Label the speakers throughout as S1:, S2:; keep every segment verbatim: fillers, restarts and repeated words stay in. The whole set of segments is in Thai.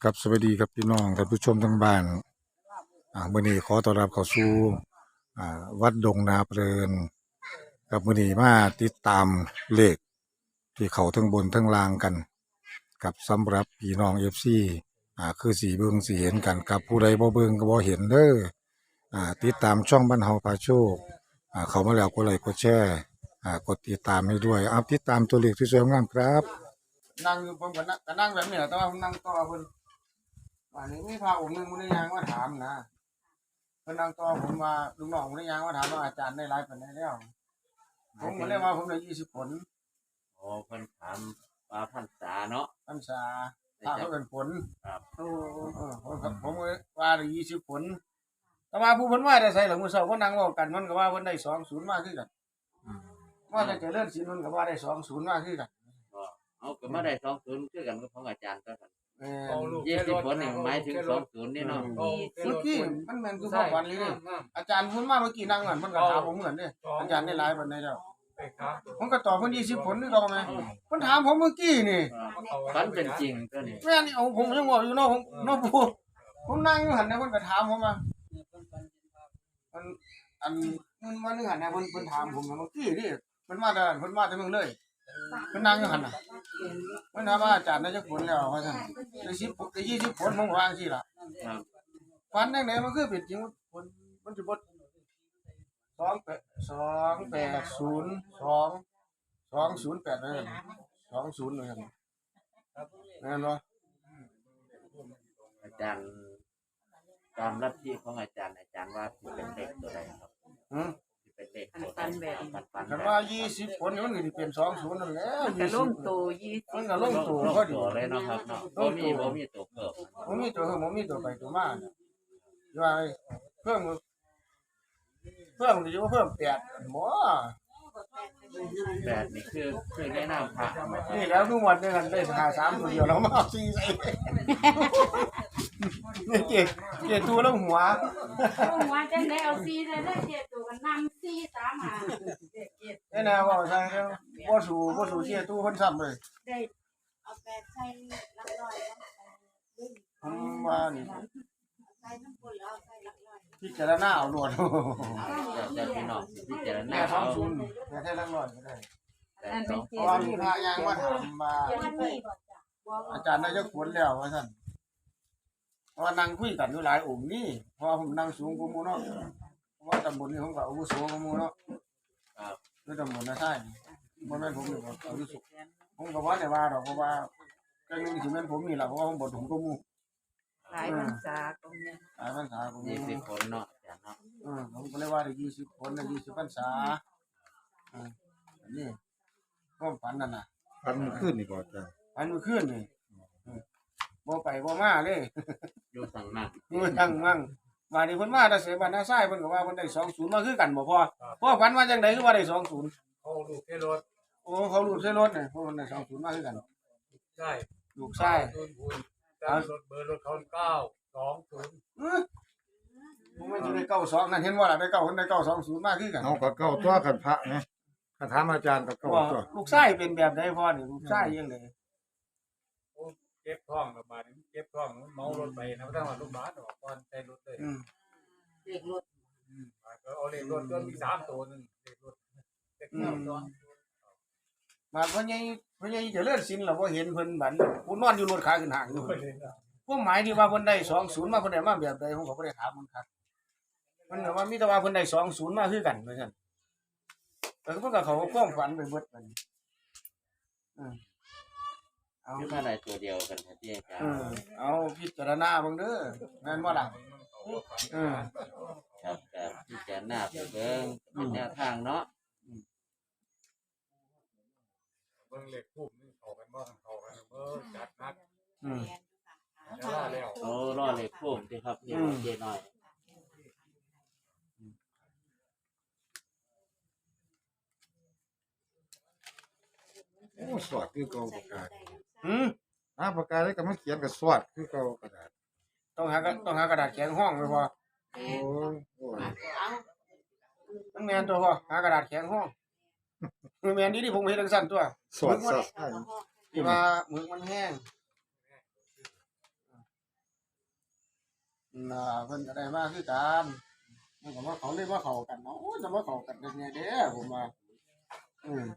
S1: ครับสวัสดีครับพี่น้องท่านผู้ชมทั้งบ้านอ่ามื้อนี้ขอต้อนรับเข้าสู่อ่าวัดดงนาเพลินกับมื้อนี้มาติดตามเลขที่เขาทั้งบนทั้งล่างกันกับสำหรับพี่น้อง เอฟ ซี อ่าคือสิเบิ่งสิเห็นกันกับผู้ใดบ่เบิ่งก็บ่เห็นเด้ออ่าติดตามช่องบ้านเฮาพาโชคอ่าเข้ามาแล้วกดไลค์กดแชร์อ่ากดติดตามให้ด้วยเอาติดตามตัวเลขที่สวยงามครับ
S2: นั่งอยู่ผมก็นั่งก็นั่งแบบนี้แหละแต่ว่าผมนั่งต่อเพิ่นว่านี่มีพระองค์หนึงมันได้ยางมาถามนะเพิ่นนั่งต่อผมว่าลูกน้องมันได้ยางมาถามว่าอาจารย์ได้หลายปานใดแล้วผมก็เลยว่าผมได้ยี่สิบผล
S3: โอ้เพิ่นถามว่าพรรษาเนาะ
S2: พรรษาถ้าเขาเป็นผล
S3: ครับ
S2: โอ้เออผมก็ผมก็ว่าได้ยี่สิบผลแต่ว่าผู้เพิ่นว่าได้ใส่หลังมื้อเช้าเพิ่นนั่งเว้ากันมันก็ว่าเพิ่นได้สองศูนย์มาคือกันว่าแต่เจริญศีลมันก็ว่าได้สองศูนย์มาคือกัน
S3: ก็เอาก็มาได้สองศูนย์คือกันกับของอาจารย์ก็กัน
S2: เออ
S3: ยี่สิบผลนี่หมายถึงสองศูนย์นี่เนาะ
S2: เมื่อกี้มันแม่นคือความฝันเลยเด้อาจารย์เพิ่นมาเมื่อกี้นั่งนั่นเพิ่นก็ถามผมเหมือนเด้อาจารย์ได้หลายปานใดแล้วผมก็ตอบเพิ่นยี่สิบผลนี่ดอกแม่เพิ่นถามผมเมื่อกี้นี่
S3: ฝันเป็นจริงตัวนี้
S2: แม่นี่เอาผมยังบอกอยู่เนาะผมเนาะปู่ผมนั่งอยู่หั่นน่ะเพิ่นก็ถามผมมามันอันมันมานึงหั่นน่ะเพิ่นเพิ่นถามผมเมื่อกี้นี่เพิ่นมาแต่เพิ่นมาแต่เมืองเลยเพิ่นนั่งอยู่หั่นน่ะเพิ่นถามว่าอาจารย์ได้จักผลแล้วว่าซั่นได้สิบได้ยี่สิบผลผมว่าจังซี่ล่ะ
S3: ครับ
S2: ฝันจังได๋มันคือเป็นจริงผลมันสิบ่สองแปดสองแปดศูนย์สองสองศูนย์แปดเลยสองศูนย์เลยครับแม่นบ่
S3: อาจารย์ตามลัทธิของอาจารย์อาจารย์ว่าสิเป็นเลขตัวใดครับ
S2: อือ
S3: สิเป็นเลขตัวใดปันๆ
S2: คันว่ายี่สิบผลนี่มันก็สิเป็นสองศูนย์นั่นแหละ
S4: ก็ลง
S2: ยี่สิบ
S4: ตัวยี่สิบ
S2: มันก็ลงตัว
S3: ลง
S2: พอดี
S3: ตัวเลยเนาะครับเนาะบ่มีบ่มีตัวเพิ่ม
S2: บ่มีตัวเพิ่มบ่มีตัวไปตัวมาเนี่ยว่าเพิ่มเพิ่มสิว่าเพิ่มแปดบ่
S3: แปดนี่คือคือได้นามพระ
S2: นี่แล้วทุกวันนี้กันได้หาสามตัวเดียวแล้วมาเอาสี่ใส่นี่เก็บเก็บตัวแล้วหัว
S4: เอาหัวจังได้เอาซีได้ได้เจ็ดตัวกันนำซีสามหาเจ็ดเจ็ด
S2: นี่นะว่าใช่แล้วบ่สู่บ่สู่เสียตู้เพิ่นซ้ำเลย
S4: ได้เอาแปดใส่หลักร้อย
S2: ผมว่านี่
S4: ใส่น้ำปุ่นแล้วใส่หลักร้อย
S2: พิจารณาเอาโลด
S3: แต่พี่น้องสิพิจารณา
S2: แม่ท้อ
S3: เอา
S2: งศูนย์แม่แท้ลักร้อยก็ได้
S3: แต่สอง
S2: เพราะว่ามีพระยางมาถามมาอาจารย์ได้จักผลแล้วว่าซั่นเพราะว่านั่งคุยกันอยู่หลายองค์นี่เพราะว่าผมนั่งสูงกว่าหมู่เนาะเพราะว่าตำบลนี้ผมก็อาวุโสกว่าหมู่เนาะ
S3: ครับ
S2: คือตำบลน่ะใช่บ่แม่นผมนี่บ่อาวุโสผมก็บ่ได้ว่าดอกเพราะว่าจังนึงสิแม่นผมนี่ล่ะเพราะว่าผมบ่ถึงกว่าหมู่
S4: หลายพรรษาตรงนี้
S2: หลายพรรษาผม
S3: ยี่สิบผลเนาะอาจารย์เนาะ
S2: เออผมก็เลยว่าได้ยี่สิบคนได้ยี่สิบพรรษาอ่าอันนี้ความฝันนั่นน่ะ
S1: พันขึ้นนี่บ่จ้ะ
S2: อันเมื่อคืนนี่เออบ่ไปบ่มาเลย
S3: อยู่สั่งนั่ง
S2: อยู่จังมั่งว่านี่เพิ่นมาแต่เสบ้านนาซ้ายเพิ่นก็ว่าเพิ่นได้สองศูนย์มาคือกันบ่พอพ่อฝันว่าจังไดคือว่าได้สองศูนย์
S5: เขาลูกแค่รถ
S2: โอ้เขารูดใส่รถนี่เพราะเพิ่นได้สองศูนย์มาคือกัน
S5: ใช่
S2: ลูกชาย
S5: โดนบุญแต่รถเบอร์รถเขาเก้าสองศูนย์
S2: เออผมมันสิได้เก้าสองนั่นเห็นบ่ล่ะได้เก้าเพิ่นได้เก้าสองศูนย์มาคือกัน
S1: เอาก็เก้าตัวกันพระไงคันถามอาจารย์ก็เก้า
S2: ว่า
S1: ตัว
S2: ลูกชายเป็นแบบใดพ่อนี่ลูกชายยังได
S5: เก็บท้องระบาดนี้เก็บท้องเมารถไปนะไม่ต้องมาลูกบ้านหรอกก่อนใส่รถเลย
S2: อืม
S4: เด็กรถ
S5: อืมก็เอาเลขรถจนมีสามตัวนึงเลขรถเลขเก้าตัว
S2: มาเพิ่นใหญ่เพิ่นใหญ่เจริญศิลป์ล่ะบ่เห็นเพิ่นบัดผู้นอนอยู่รถขาขึ้นห้างอยู่ ความหมายที่ว่าเพิ่นได้สองศูนย์มาเพิ่นได้มาแบบใดผมก็บ่ได้ถามมันครับเพิ่นก็ว่ามีแต่ว่าเพิ่นได้สองศูนย์มาคือกันว่าซั่นแต่เพิ่นก็เขาความฝันไปเบิดบัดนี้เออเอา
S3: คือมาได้ตัวเดียวกันครับที่อาจาร
S2: เอ
S3: ย์
S2: อเอาพิจารณาเบิ่งเด้อแม่นบ่ล่ะเออ
S3: ครับครับพิจารณาไปเบิ่งเป็นแนวทางเนาะ
S5: เบิ่งเลขคู่นี่เข้ากันบ่เข้ากันเบิ่งจัดนัก
S2: อืม
S5: จะล่าแล้ว
S3: โอ้รอเลขโค้งสิครับนี่เจน้อย
S1: โอ้สวดคือเก่าปากกา
S2: หืม
S1: หาปากกาได้ก็มาเขียนก็สวดคือเก่ากระดาษ
S2: ต้องหากระต้องหากระดาษแข็งห้องไว้พอ
S1: โอ้ยโอ้ย
S2: มันแม่นตัวพอหากระดาษแข็งห้องคือแม่นดีที่ผมเฮ็ดจังซั่นตัว
S1: สวดสวด
S2: ที่ว่าหมึกมันแห้งน่ะเพิ่นก็ได้มาคือกันมันก็ว่าเขาเลยว่าเข้ากันเนาะโอ้ยจะมาเข้ากันได้ไงเด้อผมว่าอืม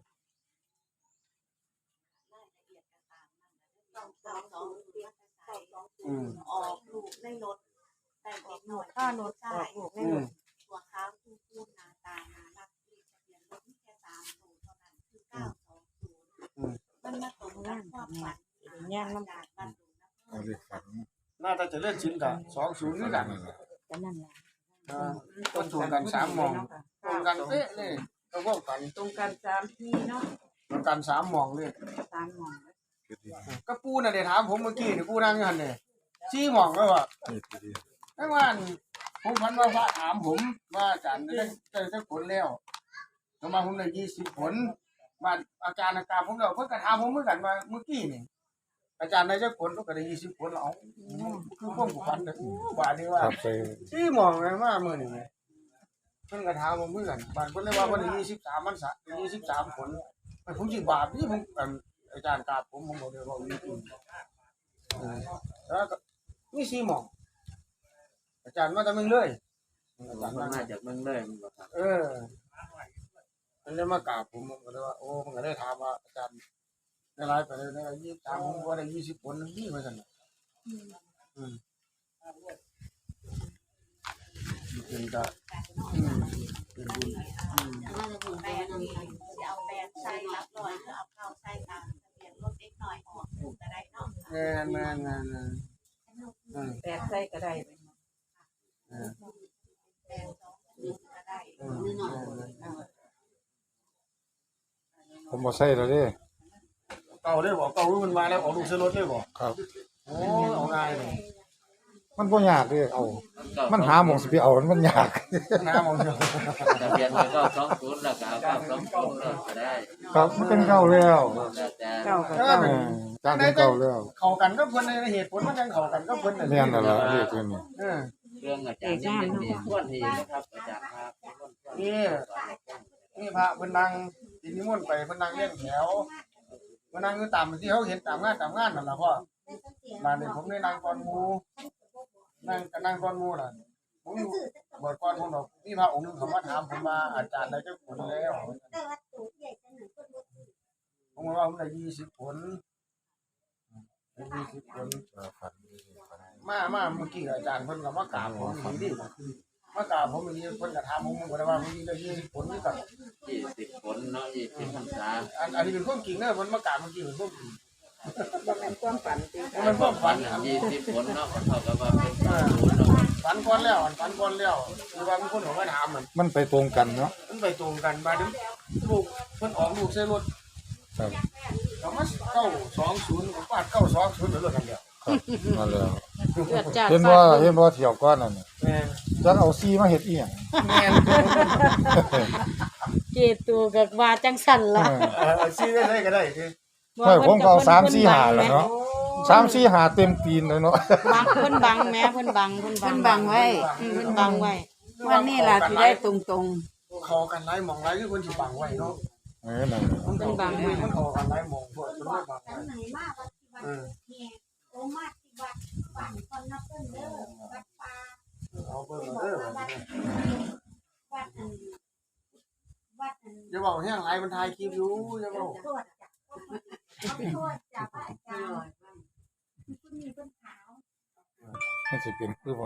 S2: อืม
S6: ออกลูกในรถแต่เด็กหน่อย
S4: ค่ารถออกลูก
S2: อืม
S6: ตัวขาวคู่คู่หน้าตาน่ารักที่ทะเบียนรถมีแค่สามตัวเท่านั้นคือเก้าสองศูนย์
S2: อืม
S6: มันมาตรงกับความฝันที่ย่างน้ำตาลบ้านดูนะ
S1: เอาเลขฝัน
S2: น่าจะเจะเล่นชิ้นกันสองศูนย์นี่กัน
S4: ก็นั่นแหละ
S2: อ่าต้นถูกกันสามหมองตรงกันเป๊ะเลยก็พวกกัน
S4: ตรงกันสามที่เนาะ
S2: ตรงกันสามหมองเลย
S4: สามหมอง
S2: ก็ปูน่ะเดี๋ยวถามผมเมื่อกี้นี่ปูนั่งอยู่หันเนี่ยชี้หมองแล้วว่ะ
S1: นี่ทีเดียว
S2: ไอ้ว่าอันผมพันว่าพระถามผมว่าอาจารย์ได้ได้ได้ผลแล้วประมาณผมได้ยี่สิบผลมาอาจารย์อาการผมแล้วเพิ่นก็ถามผมเหมือนกันว่าเมื่อกี้นี่อาจารย์ได้จักผลก็ได้ยี่สิบผลแล้วเอาคือพวกผู้พันเนี่ยบาดนี้ว่า
S1: ครับไป
S2: ที่มองเลยว่ามื้อนี้เพิ่นก็ถามผมเหมือนกันบาดเพิ่นเลยว่าวันที่ยี่สิบสามมันสะยี่สิบสามผลผมสิบาปนี่ผมอันอาจารย์กราบผมผมบอกเลยว่ามีจริงเออแล้วก็มีสี่หมองอาจารย์มาแต่เมืองเลยอาจารย์
S3: มั
S2: มาน
S3: มาจากเมืองเลยมันบ่ครับ
S2: เออมันเลยมากราบผมผมก็เลยว่าโอ้มันก็ได้ถามว่าอาจารย์ได้ไลฟ์ไปเลยได้ยี่สิบสามผมว่าได้ยี่สิบผลนี่ว่าซั่นน่ะอืมเป็นก็อืมเป็นบุญอืม
S6: แปดนี่จะเอาแปดใส่รับรอยหรือเอาเข้าใส่ตามทะเบียนรถเล็กหน่อยออกถูกก็ได้เนาะ
S2: แม่นแม่นแม่นแม่นอืม
S4: แปดใส่ก็ได้
S2: เออ
S6: แปดสองศูนย์ก็ได้
S2: อืมแม่นแม่น
S1: ผมบ่ใส่แล้วเด้
S2: เก่าเลยบ่เก่ารู้มันมาแล้วออกลูกซื้อรถเลยบ่
S1: ครับ
S2: โอ้เอาง่ายเลย
S1: มันบ่ยากเด้เอา
S3: ก็
S1: มันหาหม่องสิไปเอามันยาก
S2: น้ำเอาเถอะ
S3: ทะเบียนมันก็สองศูนย์แล้วก็เอาเก้าสองศูนย์เลยก็ได้
S1: ครับมันเป็นเก่าแล้ว
S3: แล้วแต่
S4: เก้ากับ
S2: เออ
S4: เก้า
S1: เออจางเป็นเก่าแล้ว
S2: เข้ากันก็เพิ่นในเหตุผลมันยังเข้ากันก็เพิ่นน่ะ
S1: แม่นนั่นล่ะเลขตัวนี้
S2: เออ
S3: เรื่องอาจารย์นี่เป็นที่ส่วนที่นะครับอาจารย์ครับ
S2: นี่นี่พระเพิ่นนั่งสินิมนต์ไปเพิ่นนั่งเลี้ยงแถวเพิ่นนั่งอยู่ตามที่เขาเห็นตามงานตามงานนั่นล่ะพ่อมาเนี่ยผมได้นั่งก่อนหมู่นั่งก็นั่งก่อนหมู่ล่ะผมอยู่บ่ก่อนผมดอกนี่พระองค์หนึงเขามาถามผมว่าอาจารย์ได้จักผลแล้วผมก็ว่าผมได้ยี่สิบผลได้ยี่สิบผล
S1: ฝัน
S2: มามาเมื่อกี้อาจารย์เพิ่นก็มากราบผมอีนี่มากราบผมอีนี่เพิ่นก็ถามผมผมก็ได้ว่าผมได้ยี่สิบผลนี่ก็
S3: ยี่สิบผลเนาะยี่สิบพรรษา
S2: อันอันนี้เป็นความจริงเด้อเพิ่นมากราบเมื่อกี้เป็นความจริง
S4: บ่แม่นความฝันจริง
S2: มันเป็นความฝัน
S3: อ
S2: ค
S3: ย่า
S2: รับ
S3: งยี่สิบผลเนาะก็เท่ากับว่าเป็นสองศูนย์เนาะ
S2: ฝันก่อนแล้วฝันก่อนแล้วคือว่ามีคนเขามาถามมัน
S1: มันไปตรงกันเนาะ
S2: มันไปตรงกันมาถึงลูกเพิ่นออกลูกใส่รถ
S1: ครับ
S2: ก็มาเก้าสองศูนย์ฟาดเก้าสองศูนย์เหลือรถกันเดียว
S1: ครับนั่นแล้ว
S4: เกิดจาก
S1: เห็นว่าเห็นว่าเที่ยวก่อนนั่นน่ะ
S2: แม่น
S1: จักเอาซีมาเฮ็ดอีหยัง
S2: แม่น
S4: เจตูกับว่าจังสั่นล่ะ
S2: เออเอาซื้อได้เลยก็ได้สิ
S1: เฮ้ยผมก็เอาสาม สี่ ห้าแล้วเนาะสาม สี่ ห้าเต็มตีนเลยเนาะ
S4: บังเพิ่นบังแม่เพิ่นบังเพิ่นบัง
S7: เพิ่นบังไว้
S4: อืมเพิ่นบังไว้
S7: วันนี้ล่ะสิได้ตรง
S2: เขากันหลายหมองหลายคือเพิ่นสิบังไว้เนาะ
S1: เออนั่น
S2: มันเขากันมันเขากันหลายหมองพวกเพิ่นไม่บังไว้
S6: ไหนมาวัดที่วัด
S2: เออ
S6: เนี่ยโอมาที่วัดบ้านคนนับเพิ่นเด้อวัดป่า
S2: เอาเบิ่งเอาเด้อ
S6: วัดวัดอันวัดอัน
S2: อย่าบอกแห้งหลายมันถ่ายคลิปอยู่อย่าบอก
S6: โทษจ้ะโทษจ้ะพระอาจารย์คุณมีเพิ่นขาว
S1: มันสิเป็นคือบ่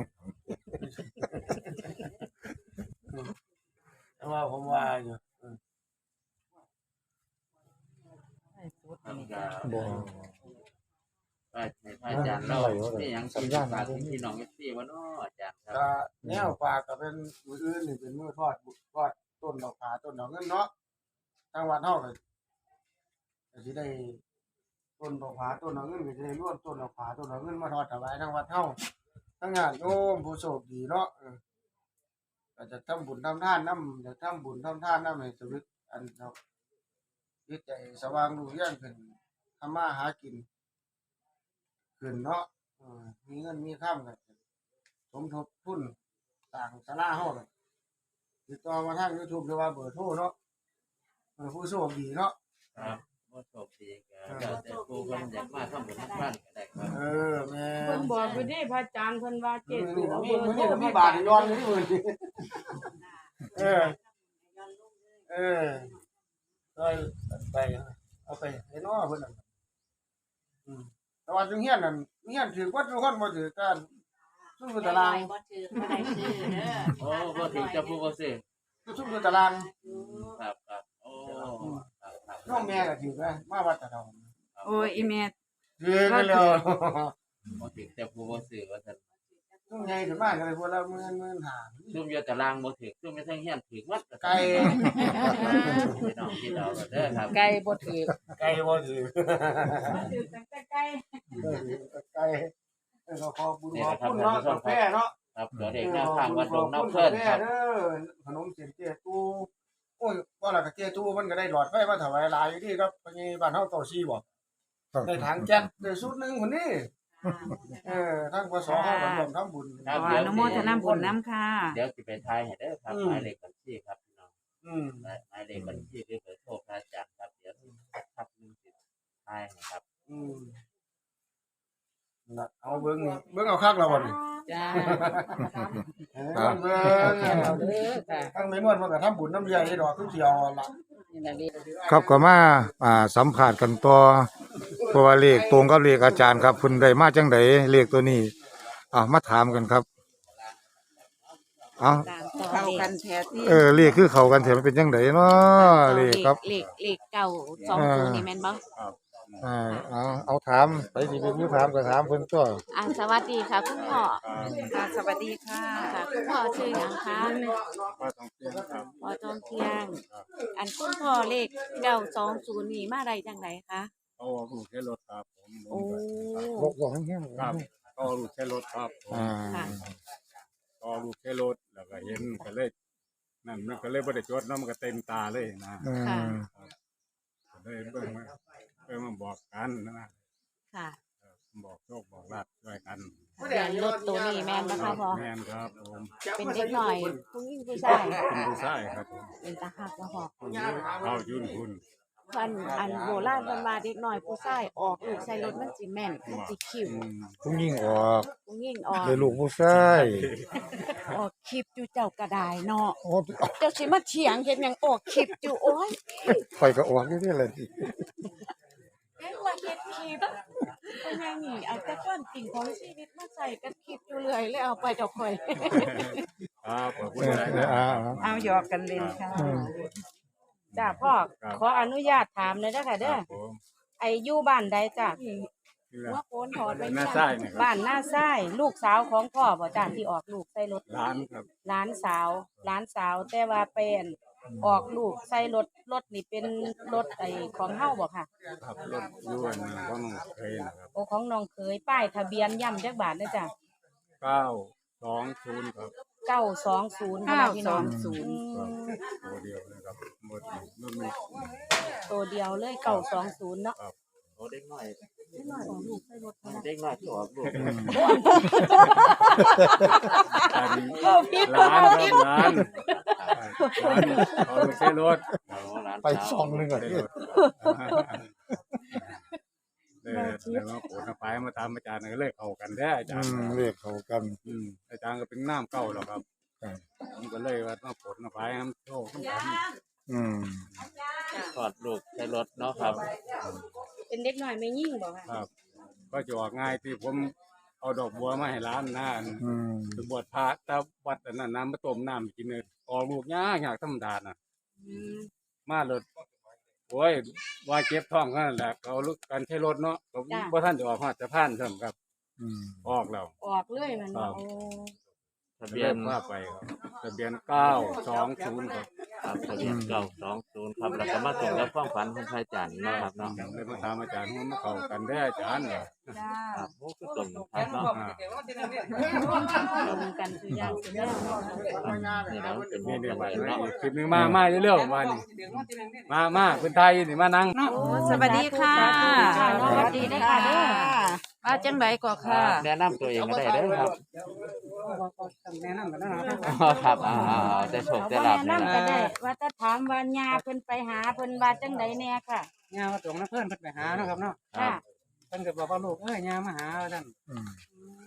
S2: แต่ว่าผมว่าอยู่
S3: ทำกา
S1: บ่
S3: ไปให้พระอาจารย์เล่านี่ยังสัญญาณมาที่น้องเอฟซีว่าเนาะอาจารย์ครับ
S2: ก็แนวปากก็เป็นมืออื่นนี่เป็นมือทอดบุทอดต้นดอกขาต้นดอกเงินเนาะทางวัดเฮาก็ก็สิได้ต้นดอกขาต้นดอกเงินก็สิได้รวมต้นดอกขาต้นดอกเงินมาทอดถวายทางวัดเฮาทั้งญาติโยมผู้โชคดีเนาะเออก็จะทำบุญทำทานนำจะทำบุญทำทานนำให้ชีวิตอันเนาะจิตใจสว่างรุ่งเรืองขึ้นทำมาหากินขึ้นเนาะเออมีเงินมีค่ำกันสมทบทุนต่างศาลาเฮากันติดต่อมาทาง YouTube หรือว่าเบอร์โทรเนาะเออผู้โชคดีเนาะ
S3: ครับว่าโชคดีก็แล้วแต่ผู้คนอยากมาทำบุญทำบ้านก็ได้ครับ
S2: เออแม่น
S4: พิ่นบอกอยู่เด้พระอาจารย์เพิ่นว่าเจ็ดตัวเอา
S2: มี
S4: เบอร์
S2: มื้อ
S4: โทร
S2: นี้ก็มี
S4: พระ
S2: บา
S4: อา
S2: ท
S4: จารย์
S2: ย้อนอยู่มื้อนี้เออเออไปไปเอาไปให้น้อเพิ่นน่ะอืมแต่ว่าจังเฮียนนั่นเฮียนถือว่าทุกคนบ่ถือกันซุ่มอยู่ตาราง
S6: บ่ถือบ่ได้ซื้อเด้อ
S3: โอ้บ่ถึงจะพูดบ่ซื้อ
S2: ซุ่มอยู่ตาราง
S3: ครับครับโอ้ครับครับ
S2: น้องแม่ก็ถือนะมาวัดตะเดา
S7: โอ้ยอีแม่
S2: ถือกันแล้ว
S3: บ่ถึงจะพูดบ่ซื้อว่าซั่น
S2: ซุ่มใหญ่ขึ้นมาก็เลยพวกเราหมื่นหมื่นห้า
S3: ซุ่มอยู่ตารางบ่ถึงซุ่มอยู่ทางเฮียนถึงวัด
S2: ไก่
S3: พี่น้องพี่น้องเด้อครับ
S7: ไก่บ่ถือ
S2: ไก่บ่ถือ
S4: ถือตั้งแต่ไกล
S2: ไก่เออขอบุญขอบคุณเนาะกาแฟเนาะ
S3: ครับตัวเด็กแนวทางวัดดงน้ำเพิ่นครับ
S2: เด้อขนมเสียนเตี้ยตู้โอ้ยว่าและก็เตี้ยตู้มันก็ได้หลอดไฟมาถวายหลายอยู่ที่ครับพญบ้านเฮาเก้าสี่บ่ได้ถังแก๊สได้สุดหนึงพุ่นนี่เออทางปสเฮาก็ร่วมทำบุญ
S3: ครั
S7: ข
S3: บ
S7: ออนุโมทนาบุญน้ำค่ะ
S3: เดี๋ยวสิไปทายให้เด้อครับหมายเลขบัญชีครับพี่น้อง
S2: อืม
S3: หมายเลขบัญชีหรือเบอร์โทรพระอาจารย์ครับเดี๋ยวครับนึงสิทายให้ครับ
S2: อืมน่ะเอาเบิ่งเบิ่งเอาคักแล้วบ่นี่
S7: จ้า
S2: เออเบิ่ง
S7: เอาเด้อค่ะ
S2: ทางแม่นวลมันก็ทำบุญน้ำเลี้ยงให้ดอกคือสิเอาล่ะ
S7: นี่ล่ะเด้อ
S1: ครับก็มาอ่าสัมภาษณ์กันต่อเพราะว่าเลขตรงกับเลขอาจารย์ครับเพิ่นได้มาจังไดเลขตัวนี้อ่ามาถามกันครับเอา
S7: ตามต่อเข้ากันแท้ที่
S1: เออเลขคือเข้ากันแท้มันเป็นจังไดเนาะเลขครับ
S7: เลขเลขเก่าสองตัวนี่แม่นบ่
S1: อ่าเอาเอาถามไปสิเป็นผู้ถามก็ถามเพิ่นตัว
S7: อ่าสวัสดีค่ะคุณพ่อค่ะสวัสดีค่ะค่ะคุณพ่อชื่อหยังคะ
S5: ว่าต้องเปลี่ยนครับ
S7: พ่อจอมเที่ยง อันคุณพ่อเลขเก้าสองศูนย์นี่มาได้จังไดคะ
S5: เอาลูกใช้รถครับผม
S7: โอ้
S1: บอกบอกให้แห้ง
S5: ครับเอาลูกใช้รถครับผม
S1: อ่า
S7: ค่ะ
S5: เอาลูกใช้รถแล้วก็เห็นก็เลยนั่นมันก็เลยบ่ได้จดเนาะมันก็เต็มตาเลยนะ
S1: อืม
S5: ก็เลยเบิ่งมาเบิ่งมาบอกกันนะ
S7: ค่ะ
S5: บอกโชคบอกลาภด้วยกัน
S7: ทะเบียนรถตัวนี้แม่นนะคะพ่อ
S5: แม่นครับผม
S7: เป็นเด็กหน่อยผู้หญิงผู้ชาย
S5: เป็นผู้ชายครับผม
S7: เป็นตาหักบ่พ่อ
S5: เอายุ่นคุณ
S7: เพิ่นอันโบราณเพิ่นว่าเด็กน้อยผู้ชายออกลูกใส่รถมันสิแม่นมันสิคิว
S5: อืม
S1: ผู้หญิงออก
S7: ผู้หญิงออก
S1: ได้ลูกผู้ชาย
S7: ออกคลิปอยู่เจ้าก็ได้เนาะ
S1: โอ้
S7: เจ้าสิมาเถียงเฮ็ดหยังออกคลิปอยู่โอ้ย
S1: ข่อยก็ออกอยู่นี่แหละ
S7: เฮ็ดว่าเฮ็ดคลิปเพิ่นยังนี่เอาแต่ความจริงของชีวิตมาใส่กับคลิปอยู่เรื่อยเลยเอาไปเจ้าข่อย
S5: ครับขอบคุณ
S1: เออ
S5: หลาย
S1: เอ
S5: นะ
S1: ออ่า
S7: เอาหยอกกันเล่นค่ะ
S1: อืม
S4: จ้าพ่อขออนุญาตถามเลยเด้อค่ะ
S5: ค
S4: เด้อ
S5: รับผม
S4: ไอ้อยู่บ้านใดจ้ะ
S7: หัวโกนถอดไว้
S5: หน้าไส้เนี่ยครับ
S4: บ้านหน้าไส้ลูกสาวของพ่อบ่จ้าที่ออกลูกใส่รถ
S5: ร้านครับ
S4: หลานสาวหลานสาวแต่ว่าเป็นออกลูกใส่รถรถนี่เป็นรถไอ้ของเฮาบ่ค่ะ
S5: ขับรถอยวนก็น้องเคยนะครับ
S4: โอของน้องเคยป้ายทะเบียนย่ำจักบาทเด้อจ้ะ
S5: เก้าสองศูนย์ครับ
S4: เก้าสองศูนย์
S7: เก้า
S4: พี่
S7: ส
S4: น้
S7: อ
S4: อง
S7: งศูนย์
S5: ตัวเดียวนะครับหมดนี่มันมี
S4: ตัวเดียวเลยเก้าสองศูนย์เนาะ
S3: โอ้เด็กน้อย
S4: นิดหน่อยออกลูกใส่รถนะ
S3: เด็กน้อยที่ออกลูก
S5: อันนี้
S4: โอ้พี่
S5: ร้านครับร้านร้านเขาใช้รถ
S3: เอาร้าน
S1: ไปสองหนึงก่อน
S5: ใช้รถเออแล้วมาโผล่ไปมาตามอาจารย์ก็เลยเข้ากันได้อาจา
S1: อื
S5: รย์
S1: มเรียกเขากัน
S5: อืมอาจารย์ก็เป็นน้ำเก่าแล้วครับ
S1: ครับ
S5: ผมก็เลยว่าต้องผลไปน้ำโชคน้ำกัน
S1: อืม
S3: ถอดลูกใช้รถเนาะครับ
S4: เป็นเด็กหน่อยไม่ยิ่งบ่ค่ะ
S5: ครับ ก็จะออกง่ายที่ผมเอาดอกบัวมาให้ร้านนะ
S1: อืม
S5: ไปบวชพระแต่วัดอันนั้นน้ำมาต้มน้ำกินเลยออกลูกยากยากธรรมดาน่ะ
S4: อืม
S5: มาเลยโอ้ยว่าเจ็บท้องกันนแหละเขาลุกกันใช้รถเนาะผมว่าท่านจะออกมาจะผ่านเสริมครับ
S1: อืม
S5: ออกแล้ว
S4: ออกเลยมันบ่โอ้
S3: ทะ
S5: ทะ
S3: เบี
S5: เบี
S3: ย
S5: ย
S3: น
S5: นว่าไปครับทะเบียนเก้าสองศูนย์ครับ
S3: ครับทะเบียนเก้าสองศูนย์ครับแล้วก็มาตรงกับความฝันของพระอาจารย์เนาะครับเนาะ
S5: เลยมาถามอาจารย์ว่ามันเข้ากันได้อาจารย์เหรอ
S4: จ้า
S3: ครับโอ้คือตรงครับเนาะ
S5: อ่า
S4: ลงกันคืออย่างคือแล้วเนาะ
S3: นี่เราเป็น
S5: นี่
S3: นี่
S5: เดี๋ยว
S3: ไป
S5: ไป
S3: เนาะ
S5: คลิปหนึงมามาเรื่อยๆมานี่มามาเป็นไทยนี่มานั่ง
S7: โอ้สวัสดีค่ะ
S4: สวัสดีค่ะเด้อ
S7: มาจังไดก็ค่ะ
S3: แนะนำตัวเองก็ได้เด้อครับ
S2: แนะนำกันนะ
S3: อ๋อครับอ่าๆได้โชคได้
S4: บ่
S3: ลาบ
S4: แนะ
S3: นี่
S4: นำ
S3: นะ
S4: ก็ได้ ว่าจะถามว่าญาเพิ่นไปหาเพิ่นว่าจังไดแน่ค่ะ
S2: ยาว่าตรงนะเพื่อนเพิ่นไปหาเนาะครับเนาะ
S3: ครั
S4: ค่ะ
S3: บ
S2: เพิ่นก็บอกว่าลูกเอ้ยยามาหาว่าซั่น
S1: อืม
S4: อืม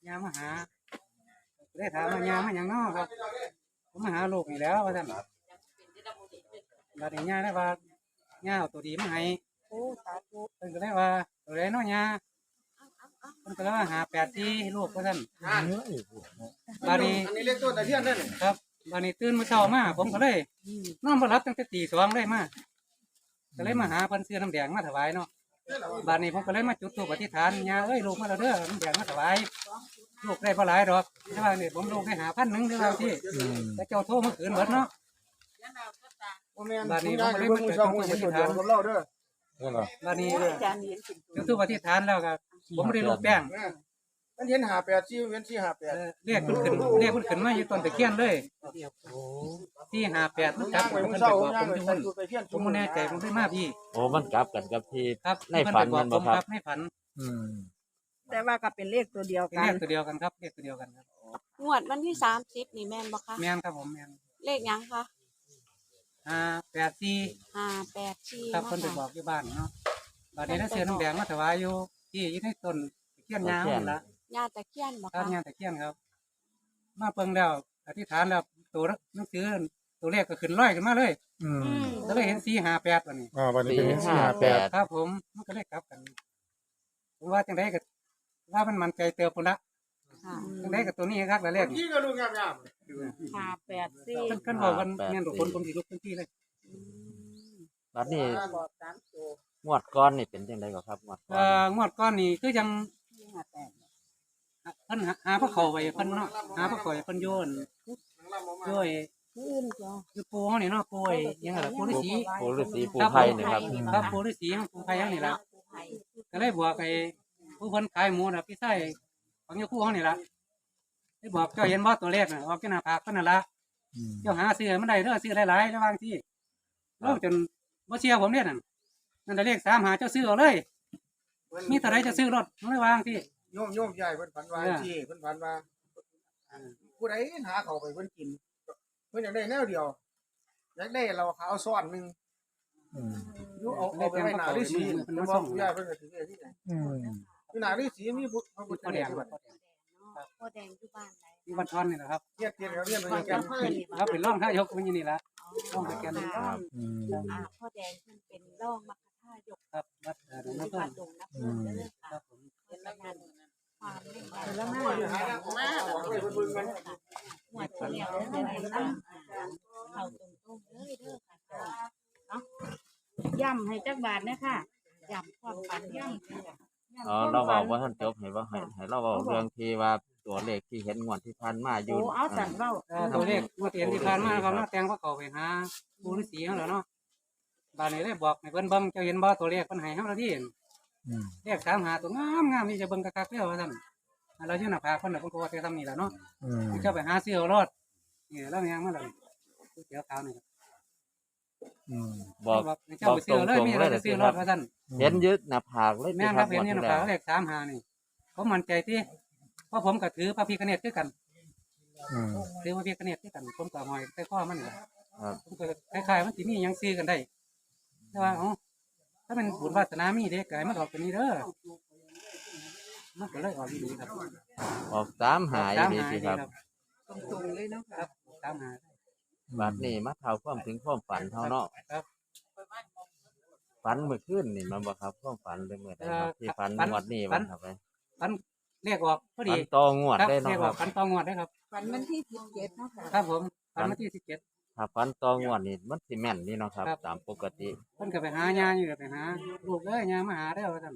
S8: ยามาหาได้ถามว่ายามาหยังเนาะครับผมมาหาลูกนี่แหล้วว่าซั่นบัดนี้ยาได้ว่ายาเอาตัวดีมาให้
S7: โอ้สาธุ
S8: เพิ่นก็เลยว่าตัวใดเนาะยาเพิ่นก็เลยว่าหาแปดที่ลูกว่าซั่น
S2: อ่า
S8: บัดนี้
S2: อันนี้เลขต้นตะเคียนนั่นนี่
S8: ครับบัดนี้ตื่นมื้อเช้ามาผมก็เลยนอนบ่หลับตั้งแต่ตีสองเลยมาก็เลยมาหาเพิ่นซื้อน้ำแดงมาถวายเนาะบัดนี้ผมก็เลยมาจุดธูปอธิษฐานยาเอ้ยลูกมาแล้วเด้อน้ำแดงมาถวายลูกได้บ่หลายดอกแต่ว่านี่ผมลูกได้หาพันหนึงเด้อว่าที่
S1: อืม
S8: แต่เจ้าโทรมาคืนเบิดเนาะ
S2: บ่แม่น
S8: บัดนี้
S2: ผม
S8: ผมก็เลย
S2: เบิ่งมื้อเช้าผมเห็นตัวเดียวกับเราเด้อ
S1: นั่นเหรอ
S8: บัดนี้
S7: อาจารย์เห็นเป็นตัว
S8: จุดธูปอธิษฐานแล้วก็ผมบ่ได้ลูกแป้ง
S2: แม่นมันเห็นห้าแปดสี่เว้นสี่ห้าแปด
S8: เออเรียกเพิ่นขึ้นเรียกเพิ่นขึ้นมาอยู่ต้นตะเคียนเลยที่ห้าแปด
S2: ผ
S8: มัน
S2: ม
S8: จั
S2: ย่า
S8: บ
S2: ง
S8: ผ
S2: ไป
S8: ม
S2: มื้
S8: เพิ่
S2: อน เช้า
S8: ไป
S2: ผม
S8: บอก
S2: ย่าง
S8: ผม
S2: ไป
S8: อยู่
S2: ใส่
S8: หุ่น
S2: ตัวตะเคียน
S8: ผมบ่แน่ใจผมได้มาพี่
S3: โอ้มันกลับกันกับที่
S8: ครับ
S3: ในฝัน
S8: เพิ่
S3: มัน
S8: ไป
S3: บ่
S8: บอก
S3: ค
S8: ผม
S3: รับ
S8: ครับในฝัน
S1: อืม
S7: แต่ว่าก็เป็นเลขตัวเดียว
S8: เป็น
S7: กั
S8: เล
S7: น
S8: ขตัวเดียวกันครับเลขตัวเดียวกันครับ
S7: งวดวันที่สามสิบนี่แม่นบ่คะ
S8: แม่นครับผมแม่น
S7: เลขหยังคะ
S8: ห้าแปดสี่
S7: ห้าแปดสี่
S8: ครับเพิ่นไปบอกอยู่บ้านเนาะบัดนี้ได้เสียน้ำแดงมาถวายอยู่ที่อยู่ในต้นตะเคียนยาวนั่นล่ะ
S7: ญาติตะเคียนบ่
S8: ครับ
S7: คะ
S8: งานตะเคียนครับ มาเปิงแล้วอธิษฐานแล้วตัวหนังสือตัวเลขก็ขึ้นร้อยขึ้นมาเลย
S1: อืม
S7: อืม
S8: ก็เลยเห็นสี่ห้าแปดวันนี้
S1: อ่าวันนี้เป็น
S3: สี่
S1: สี่
S3: ห้า
S1: ห้า
S3: แป
S1: แป
S3: ด
S1: ด
S8: ครับผมมันก็เลยกลับกันผมว่าจังไดก็ว่ามันมันใจเติบพุ่นละ
S7: ค่ะ
S8: จังไดก็ตัวนี้ครับแล้วเลข
S2: ที่ก็ลูกงาม
S4: ห้าแปดสี่
S8: เพิ่นเพิ่นบอกกันแม่นทุกคนผมสิลุกทันทีเลย
S3: บัดนี้
S7: บอกสามตัว
S3: งวดก้อนนี่เป็นจังไดก็ครับงวดก้อ
S8: เอ่อน งวดก้อนนี่คือยัง
S7: ห้าแปด
S8: เพิ่นหาหาพระเขาไว้เพิ่นเนาะหาพระเขาไว้เพิ่นโยนโยย
S7: ผู้อื่นจ้ะ
S8: อยู่ปูเฮานี่เนาะปูไอ้ยังไงล่ะปูฤาษี
S3: ปู่ฤาษีปู่ไผ่นี่ครับ
S8: ครับปูฤาษีของปูไผยังนี่ล่ะก็เลยบอกไอ้ผู้เพิ่นขายหมูน่ะพี่ไส้ของอยู่คู่เฮานี่ล่ะได้บอกเจ้าเห็นบ่ตัวเลขน่ะออกจากหน้าผากเพิ่นนั่นล่ะ
S1: อืม
S8: เจ้าหาซื้อให้มันได้เด้อซื้อหลายๆระหว่างที่เราจนบ่เชื่อผมเนี่ยนั่นนั่นแต่เลขสามหาเจ้าซื้อเอาเลย มีเท่าไรจะซื้อรถมันเลยวางที่
S2: โยมโยมใหญ่เพิ่นฝันว่าที่เพิ่นฝันว่าผู้ใดหาเขาไปเพิ่นกินเพิ่นอยากได้แนวเดียวอยากได้เราขาวซ้อนหนึง
S1: อืม
S2: อยู่เอาเอาไปไว้หน้าฤาษีเพิ่นบอกผู้ใหญ่เพิ่นก็ถือที่ไหน
S1: อืม
S2: อยู่หน้าฤาษีมีพระพุทธ
S8: พ่อแด
S2: เจ้าง ด้วย
S7: พ่อแดงอยู่บ้านไหน
S8: ที่บ้านทอนนี่แหละครับ
S2: เทียบเทียบเขาเรียนเหมือนกัน
S8: ครับเป็นร่องท่ายกมันอยู่นี่ละร่องตะแกรง
S7: ค่ะ
S1: อืม
S7: อ่าพ่อแดงเพิ่นเป็นร่องมัคคทายก
S8: ครับวัดเอ่อหลวง
S7: ที่
S8: พ่อ
S7: วัดดงน้ำเพิ่นเด้อ
S8: ครั
S7: ค่ะ
S8: บผม
S7: เป็นละงานความเล่น
S2: แล้
S7: แล้ว ว
S2: มา
S7: มา
S2: อยู่หาทางออกมาออกเลยเพิ่นเบิ่งกัน
S7: หวดตัวเดียวเด้อค่ะเข้าตรงๆเลยเด้อค่ะ
S4: ย่ำให้จักบาทนะค่ะย่ำความฝันย่ำ
S3: อ๋อเราบอกว่าท่านจบให้ว่าให้ให้เราบอกเรื่องที่ว่าตัวเลขที่เห็นงวดที่ผ่านมาอยู่
S4: โอ้เอาสั่นเว้า
S8: เอ่อตัวเลขเมื่อเตียนที่ผ่านมาครับเนาะแตงพระเขาไปหาปูฤาษีเขาแล้วเนาะบ้านนี้ได้บอกให้เพิ่นเบิ่งเจ้าเห็นบ่ตัวเลขเพิ่นให้เฮาแล้วที่
S1: อืม
S8: เลขสามหาตัวงามงามนี่จะเบิ่งคักๆเด้อว่าซั่นเราอยู่หน้าผากเพิ่นน่ะเพิ่นก็ว่าแต่ทำนี่ล่ะเนาะ
S1: อืม
S8: เจ้าไปหาซื้อเอารถนี่แล้วยังมาเลยเสียวขาวนี่
S1: อืม
S3: บอก
S8: เจ้าไปซื้อเลยมีอะไรจะซื้อรถว่าซั่น
S3: เห็นยึดหน้าผากเลย
S8: แม่น
S3: ค
S8: ค
S3: รั
S8: รั
S3: บบ
S8: เห็นนี่
S3: งวด
S8: นะ
S3: ที่
S8: ค
S3: แล้
S8: รับ
S3: ว
S8: เลขสามหานี่ผมมั่นใจที่เพราะผมก็ถือพระพิฆเนศคือกัน
S1: อืม
S8: ถือพระพิฆเนศคือกันผมก็หอยใส่ข้อมันนี่ล่ะ
S3: ครับ
S8: ผมก็คล้ายๆมันสิมีหยังซื้อกันได้แต่ว่าเอ้าถ้าเป็นบุญวาสนามีเด็กไก่มันออกเป็นนี้เด้อมันก็เลยออกดีครับ
S3: ออกสามหาย
S8: สาม
S3: ดี
S8: หา
S3: สิ
S8: ดี
S3: ครับ
S8: ครับ
S7: ตรงๆเลยเนาะ
S8: ครับสามหา
S3: บัดนี้มาเท่าความถึงความฝันเท่าเนาะ
S8: ครับ
S3: ฝันเมื่อคืนนี่มันบ่ครับความฝันเป็นเมื่อใดครับที่ฝันงวดนี้วันครับไป
S8: ฟันเรียกออกพอ
S3: ฝั
S8: ดี
S3: นต่องวด
S8: ครับ
S3: ได้
S8: เรีย
S3: เนาะ
S8: ก
S3: ค
S8: อ
S3: รั
S8: อบ กฟันตองวดได้ครับ
S7: วันวันที่สิบเจ็ดเนาะค่ะ
S8: ครับผมฟันวันที่สิบเจ็ด
S3: ถ้าฝันต่องวดนี่มันสิแม่นนี่เนาะครับ
S8: ครับ
S3: ตามปกติ
S8: เพิ่นก็ไปหายาอยู่ก็ไปหาลูกเอ้ยยามาหาเด้อว่าซั่น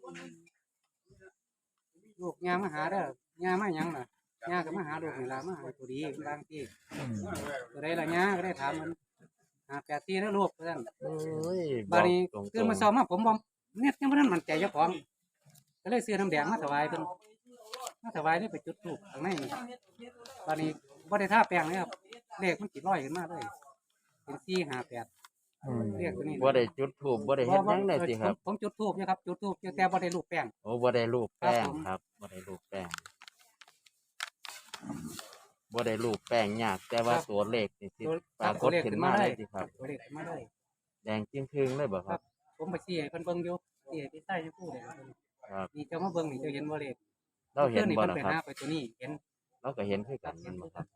S8: ลูกยามาหาเด้อยามาหยังล่ะยาก็มาหาลูกนี่ล่ะมาหาตัวดีบางที่
S1: อืม
S8: ตัวใดล่ะยาก็ได้ถามมันหาแปดที่แล้วลูกว่าซั่น
S3: โอ้ย
S8: บาดนี้
S3: ตรงๆ
S8: คือมาซ้อมมาผมบ่เนี่ยยังบ่ทันมั่นใจเจ้าของก็เลยซื้อน้ำแดงมาถวายเพิ่นมาถวายนี่ไปจุดธูปข้างในนี่บาดนี้บ่ได้ทาแป้งเลยครับเลขมันสิลอยขึ้นมาเลยเป็นสี่ห้าแปด
S1: อืม
S8: เลขตัวนี้
S3: บ่ได้จุดธูปบ่ได้เฮ็ดหยังได้สิครับ
S8: ผมผมจุดธูปอยู่ครับจุดธูปอยู่แต่บ่ได้ลูกแป้ง
S3: โอ้บ่ได้รูปแป้ง
S8: ครับผม
S3: ครับบ่ได้รูปแป้งบ่ได้รูปแป้งยาก แต่ว่าตัวเลขนี่สิ
S8: ตัว
S3: ปรากฏขึ้นมาได้สิครับ
S8: ตัวเลขขึ้นมาเลย
S3: แดงจึงครึ่งเลยบ่ครับ
S8: ผมไปชี้ให้เพิ่นเบิ่งอยู่ชี้ให้พี่ใต้อยู่ผู้เดียว
S3: ครับ
S8: นี่เจ้ามาเบิ่งนี่เจ้าเห็นบ่เลข
S3: เราเห็น
S8: มื่อ
S3: บ่
S8: คืนนี่
S3: ล่ะ
S8: เพิ่นไป
S3: ครับ
S8: หาไปตัวนี้เห็น
S3: เราก็เห็นคือกันแมันบ่ครับ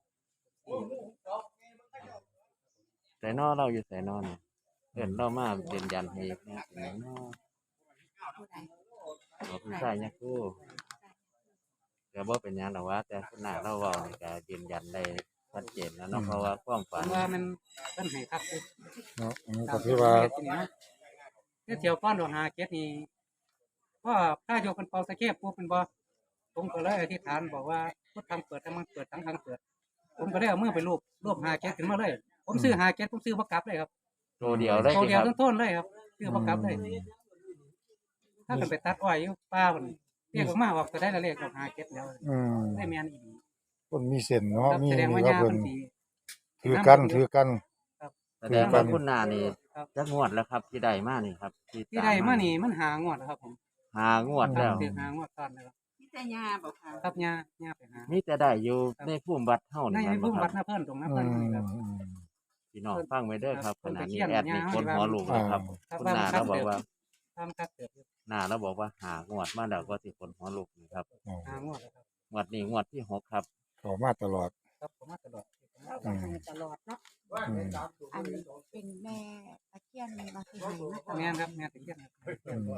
S3: ใส่นอเราอยู่ใส่นอเนี่ยเอิ้นเรามายืนยันให้อีกเนี่ยเป็นหยังน้อ
S6: ผู้ใด
S3: บ่ผู้ชายเนี่ยคือก็บ่เป็นหยังดอกว่า แต่ขนาดเราเว้านี่ก็ยืนยันได้ชัดเจนแล้วเนาะเพราะว่าความ
S8: ผ
S3: ฝัน
S8: มว่ามันเพิ่นให้ครับอยู่
S1: เนาะอันนี้ก็คือว่า
S8: เดี๋ยวเที่ยวก้อนดอกหาเก็ดนี่ก็ถ้าโยกเป็นเป่าสะเก็บปุ๊บเป็นบ่ผมก็เลยอธิษฐานบอกว่าพุทธังเปิดทั้งมันเปิดทั้งทางเปิด ผมก็ได้เอามือไปรูปรูปหาเก็ดขึ้นมาเลย ผมซื้อหาเก็ดผมซื้อบ่กลับเลยครับ
S3: ตัวเดียวเลย
S8: ตัว
S3: สิ
S8: เดี
S3: ค
S8: ยว
S3: รับ
S8: ต้นๆเลยครับซื้อบ่กลับเลย ถ้าเกิดไปตัดอ้อยอยู่ป้าพุ่นเรียกออกมาออกก็ได้ละเลขดอกหาเก็ดแล้ว
S1: อืม
S8: ได้แม่นอีหลี
S1: คนมีเส้นเนาะ
S8: ครับ
S1: มี
S8: แสดงว่า
S1: นี่ว่า
S8: ย่า
S1: เพิ่
S8: เพิ่
S1: น
S8: นสิ
S1: ถือกันถือกัน
S3: แสดงว่า
S1: คือกัน
S3: คุณนานี่
S8: ครับ
S3: จักงวดแล้วครับ ที่ได้มานี่ครับ
S8: ที่ได้มานี่มันหางวดแล้วครับผม
S3: หางวด
S8: ค
S3: แล้
S8: รับ
S3: ว
S8: ถือหางวดซ้อนแล้วครับ
S6: มีแต่ยาบ่ค่ะ
S8: ครับย่าย่าไปหา
S3: มีแต่ได้อยู่ในภูมิวัดเฮา
S8: ใน
S3: นี่
S8: ใน
S3: แม่น
S8: พุ่
S3: บ่
S8: ม
S3: ค
S8: วั
S3: รั
S8: ด
S3: บ
S8: หน้าเพิ่นตรงหน้า
S1: อื
S8: เพิ่น
S1: ม
S8: นี่ครับ
S1: อืม
S3: พี่น้องฟังไว้เด้อครับ
S8: ค
S3: ข
S8: รับ
S3: ณะนี้
S8: เพิ่น
S3: แอ
S8: ไป
S3: ด
S8: เขี
S3: มี
S8: ยน
S3: คน
S8: ยา
S3: หัวลูกเลยครับ
S8: ครับ
S3: คุณนาเราบอกว่า
S8: ตามคัดเกิดอยู่
S3: นาเราบอกว่าหางวดมาแล้วก็สิคนหัวลูกนี่ครับ
S1: อ๋อ
S8: หางวดแล้วครับ
S3: งวดนี้งวดที่หกครับ
S1: เขามาตลอด
S8: ครับผมมาตลอด
S7: เราก็ให้ตลอดเนาะ
S1: อืม
S7: อันเป็นแม่ตะเคียนมาที่ให้มาตล
S8: แม่
S7: อด
S8: นครับแม่นตะเคียนครับ
S1: อืม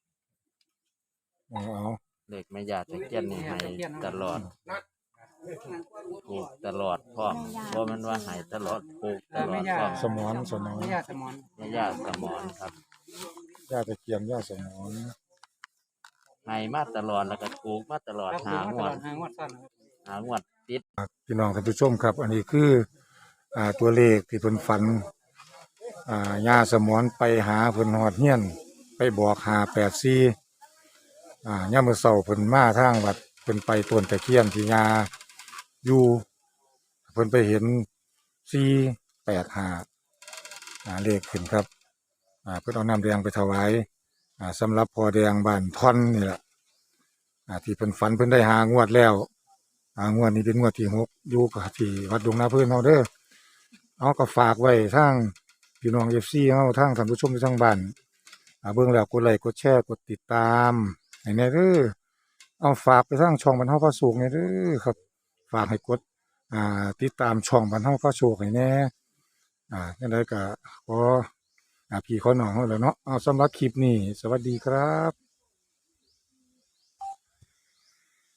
S1: เอาเอา
S3: เลขแม่ยาตะเคียนนี่ให้ตลอดถูกตลอดพร้อมเพราะมันว่าให้ตลอดถูกตลอดพร้อม
S1: สมอนสมอน
S8: แม่ย่าสมอน
S3: แม่ยาสมอนครับ
S1: ย่าตะเคียนย่าสมอน
S3: ให้มาตลอดแล้วก็ถูกมาตลอด
S8: ครับ
S3: หา
S8: ผม
S3: ง
S8: มาต
S3: ว
S8: ล
S3: ด
S8: อดหางวดซ้อนครับ
S3: หางวดติด
S1: พี่น้องท่านผู้ชมครับ อันนี้คือ อ่าตัวเลขที่เพิ่นฝัน อ่าย่าสมอนไปหาเพิ่นฮอดเฮียน ไปบอกหาแปดสี่อ่ายามมื้อเช้าเพิ่นมาทางวัดเพิ่นไปต้นตะเคียนที่ย่าอยู่เพิ่นไปเห็นสี่แปดห้าอ่าเลขขึ้นครับ อ่าเพิ่นเอาน้ำแดงไปถวาย อ่าสำหรับพ่อแดงบ้านท่อนนี่แหละ อ่าที่เพิ่นฝันเพิ่นได้หางวดแล้ว อ่างวดนี้เป็นงวดที่หกอยู่กับที่วัดดงนาเพิ่นเฮาเด้อเอาก็ฝากไว้ทางพี่น้อง เอฟ ซี เฮาทางท่านผู้ชมที่ทางบ้านอ่าเบิ่งแล้วกดไลค์กดแชร์กดติดตามให้แน่เด้อเอาฝากไปทางช่องบรรเทาพระสุขแน่เด้อครับ ฝากให้กดอ่าติดตามช่องบรรเทาพระสุขให้แน่อ่าจังไดก็ขออ่าพี่ขอน้องเฮาแหล้วเนาะเอาสำหรับคลิปนี้สวัสดีครับ